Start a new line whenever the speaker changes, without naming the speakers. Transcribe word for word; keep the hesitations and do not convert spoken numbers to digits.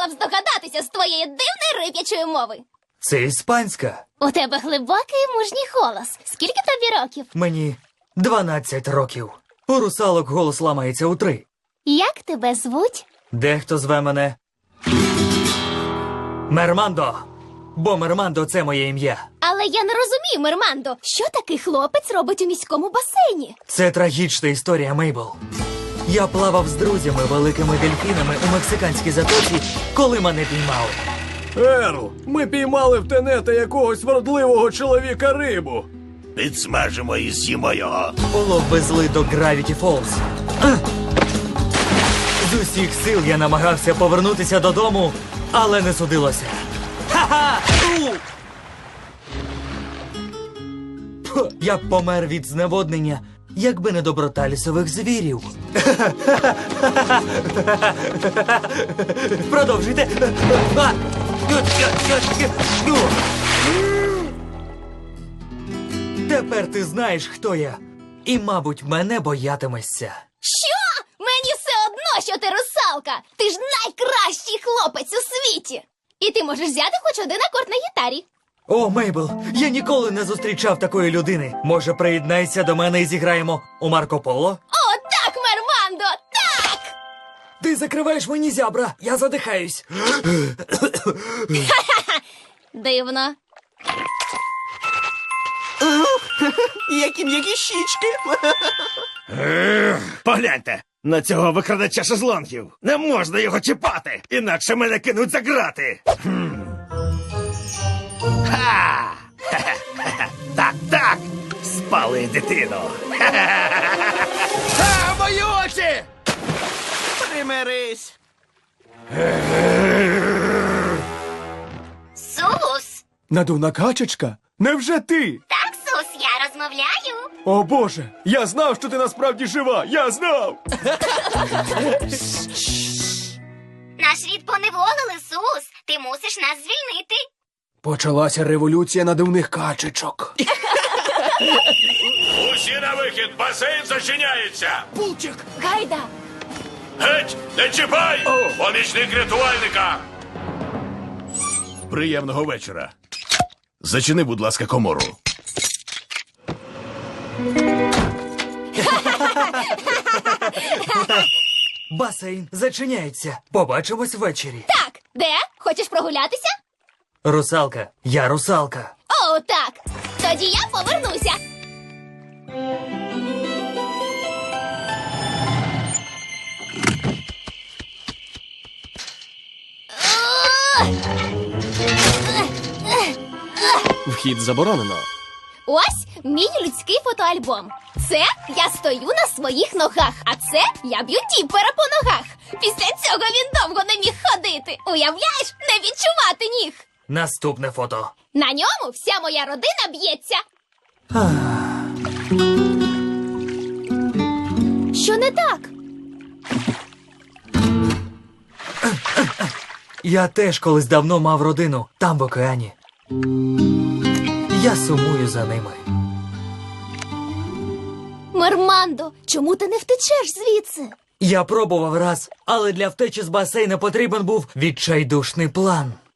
мав здогадатися з твоєї дивної рип'ячої мови.
Це іспанська.
У тебе глибокий і мужній голос. Скільки тобі років?
Мені дванадцять років. У русалок голос ламається у три.
Як тебе звуть?
Дехто зве мене Мермандо. Бо Мермандо – це моє ім'я.
Але я не розумію, Мермандо, що такий хлопець робить у міському басейні?
Це трагічна історія, Мейбл. Я плавав з друзями великими дельфінами у мексиканській затоці, коли мене піймали.
Ерл, ми піймали в тенета якогось вродливого чоловіка рибу.
Підсмажимо і з'їмо його.
Полов везли до Гравіті Фолз. З усіх сил я намагався повернутися додому, але не судилося. Ха-ха! У! Пх, я б помер від зневоднення, якби не доброта лісових звірів. Продовжуйте. А! Тепер ти знаєш, хто я. І, мабуть, мене боятимешся.
Що? Мені все одно, що ти русалка. Ти ж найкращий хлопець у світі. І ти можеш взяти хоч один акорд на гітарі.
О, Мейбл, я ніколи не зустрічав такої людини. Може, приєднайся до мене і зіграємо у Марко Поло?
О, так, Мермандо, так!
Ти закриваєш мені зябра, я задихаюсь.
Дивно.
Які м'які щічки.
Погляньте, на цього викрадача шезлонгів. Не можна його чіпати, інакше мене кинуть за грати. Хм. Ха! Хе-хе-хе. Так, так, спали дитину.
А, мої очі!
Примирись.
Сус!
Надувна качечка? Невже ти?
Так, Сус, я розмовляю.
О Боже, я знав, що ти насправді жива! Я знав!
Наш рід поневолили, Сус. Ти мусиш нас звільнити.
Почалася революція надувних качечок.
Усі на вихід, басейн зачиняється.
Пулчик.
Гайда.
Геть, не чіпай! Помічник рятувальника.
Приємного вечора. Зачини, будь ласка, комору.
Басейн зачиняється. Побачимось ввечері.
Так, де? Хочеш прогулятися?
Русалка, я русалка.
О, так. Тоді я повернуся.
Вхід заборонено.
Ось мій людський фотоальбом. Це я стою на своїх ногах, а це я б'ю діпера по ногах. Після цього він довго не міг ходити. Уявляєш, не відчувати ніг.
Наступне фото.
На ньому вся моя родина б'ється. Що не так?
Я теж колись давно мав родину, там в океані. Я сумую за ними.
Мермандо, чому ти не втечеш звідси?
Я пробував раз, але для втечі з басейну потрібен був відчайдушний план.